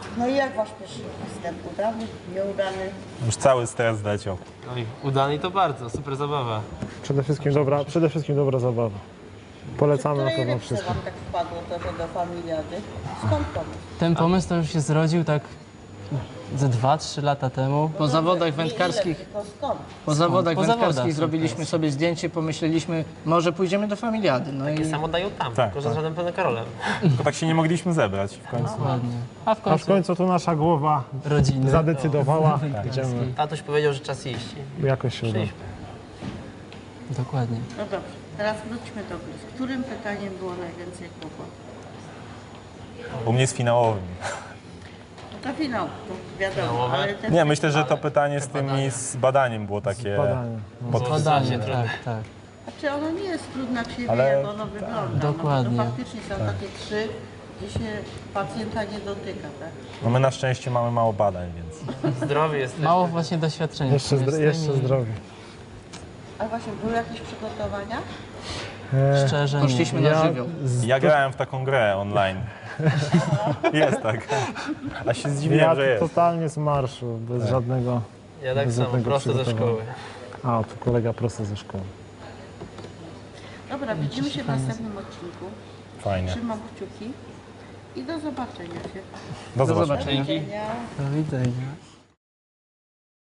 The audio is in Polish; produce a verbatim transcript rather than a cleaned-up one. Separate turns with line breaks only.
No i jak wasz pierwszy występ? Udany? Nieudany?
Już cały stres leciał.
No i udany to bardzo, super zabawa.
Przede wszystkim dobra, przede wszystkim dobra zabawa. Polecamy na
Której
pewno
rybce
wszystko.
wam tak wpadło to, że do familiady? Skąd pomysł?
Ten pomysł to już się zrodził tak ze dwa trzy lata temu.
Po zawodach
Nie ile,
wędkarskich,
tylko skąd?
po zawodach
Po
wędkarskich
zawodach
zrobiliśmy sobie zdjęcie, pomyśleliśmy, może pójdziemy do familiady. No
Takie
i
samo dają tam,
Tak,
tylko że
tak.
z żadnym panem Karolem.
Tylko tak się nie mogliśmy zebrać w końcu.
Dokładnie. A w
A w
końcu
końcu to nasza głowa
rodziny.
zadecydowała, idziemy,
Tatuś powiedział, że czas iść.
jakoś się uda.
Przyjśmy.
Dokładnie.
No dobrze, teraz wróćmy do gry. Z którym pytaniem było najwięcej kłopotów?
U mnie z finałowym.
No to finał, to wiadomo,
Finałowe?
ale te
Nie, myślę, że to pytanie z tymi z badaniem było takie...
Badanie. No.
Pod...
Badanie,
trudne.
tak, tak.
Znaczy ono nie jest trudne, jak się wie,
Ale-
jak ono wygląda.
Dokładnie.
No, to faktycznie są takie trzy, gdzie się pacjenta nie dotyka, tak?
No my na szczęście mamy mało badań, więc...
Zdrowy jesteś.
Mało właśnie doświadczenia.
Jeszcze,
w
zdro,
tym
jeszcze
i
zdrowie.
A właśnie, były jakieś przygotowania?
E,
Szczerze nie.
poszliśmy na
ja
żywioł.
z,
Ja grałem w taką grę online. Jest tak. A się
ja
zdziwiłem, że jest.
totalnie z marszu, bez żadnego...
Ja tak
bez
samo,
żadnego
prosto ze
przygotowania.
szkoły.
A, tu kolega prosto ze szkoły.
Dobra, widzimy się w następnym odcinku.
Fajnie.
Trzymam kciuki i do zobaczenia się.
Do
Do
zobaczenia.
zobaczenia.
Do widzenia.
Do widzenia.